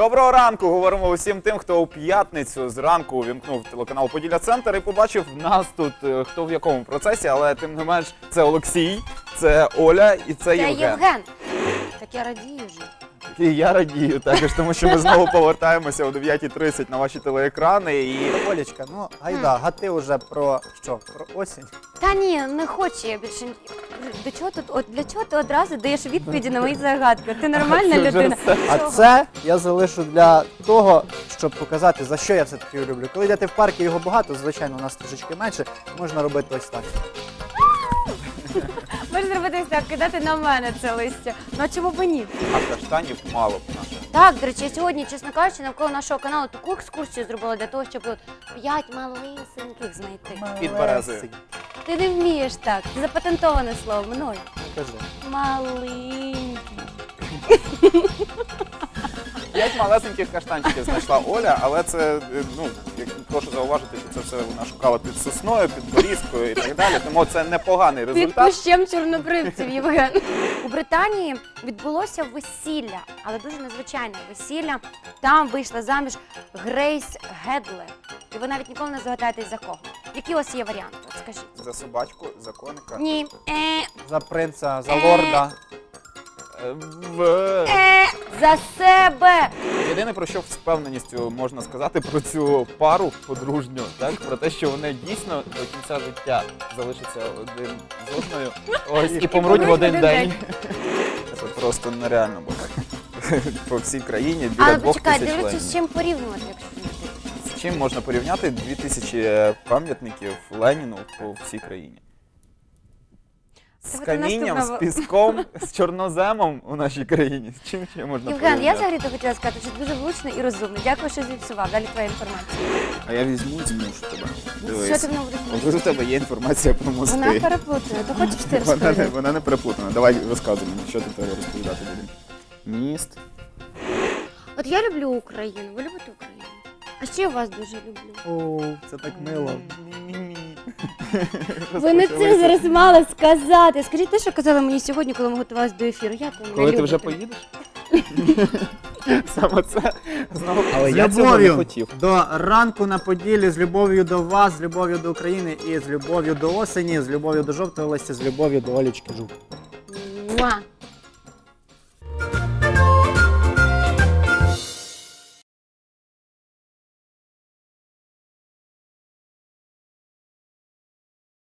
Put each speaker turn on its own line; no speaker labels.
Доброго ранку! Говоримо усім тим, хто у п'ятницю зранку увімкнув телеканал «Поділля-Центр» і побачив нас тут, хто в якому процесі, але тим не менш це Олексій, це Оля і це Євген.
Євген. Так я радію вже.
І я радію також, тому що ми знову повертаємося о 9:30 на ваші телеекрани. І
Олечка, ну гайда, гати вже про що? Про осінь?
Та ні, не хочу я більше. Для чого ти одразу даєш відповіді на мої загадки? Ти нормальна людина.
А це я залишу для того, щоб показати, за що я все-таки його люблю. Коли йдете в парк і його багато, звичайно, у нас трошечки менше, можна робити ось так.
Можеш зробити ось так, кидати на мене це листя. Ну а чому б ні?
а каштанів мало б наших.
Так, до речі, я сьогодні, чесно кажучи, навколо нашого каналу таку екскурсію зробила для того, щоб 5 малесеньких знайти.
Під березою.
Ти не вмієш так. Це запатентоване слово мною.
Кажи.
Маленький.
5 малесеньких каштанчиків знайшла Оля, але це, прошу зауважити, що це все вона шукала під сосною, під борізкою і так далі, тому це непоганий
Під
результат.
кущем чорнобривців, Євген. У Британії відбулося весілля, але дуже незвичайне весілля. Там вийшла заміж Грейс Гедлер. І ви навіть ніколи не здогадаєтесь, за кого. Які у вас є варіанти? От скажіть.
За собачку, за коника.
Ні.
За принца, за лорда.
За себе.
Єдине, про що з впевненістю можна сказати про цю пару подружню, так? Про те, що вони дійсно до кінця життя залишаться один з одною, ось, і помруть в один день. Це просто нереально було. По всій країні біля
Але
2000
почекай,
членів.
дивлячись, з чим порівнювати, якщо не дивитися.
З чим можна порівняти 2000 пам'ятників Леніну по всій країні? З
Давайте
камінням, з
наступного.
піском, з чорноземом у нашій країні. З чим ще можна
Євген, я
порівняти?
взагалі-то хотіла сказати, що ти дуже влучний і розумний. Дякую, що зіпсував. Далі твоя інформація.
А я візьму і змушу тебе.
Що ти в мене будеш
От у тебе є інформація про мости.
Вона переплутана. То хочеш ти розповідати?
Вона не переплутана. Давай розказуй мені, що ти треба розповідати будемо. Міст.
От я люблю Україну. Ви любите Україну? А ще я вас дуже люблю.
О, це так мило.
Ви не це зараз мали сказати. Скажіть те, що казали мені сьогодні, коли ми готувалися до ефіру. Я тебе не
Коли ти
люблю
вже
тебе.
поїдеш? Саме це знову.
Але
З
я цього не
любов'ю
хотів. До ранку на Поділлі, з любов'ю до вас, з любов'ю до України і з любов'ю до осені, з любов'ю до жовтого листя, з любов'ю до Олечки Жук.
Муа.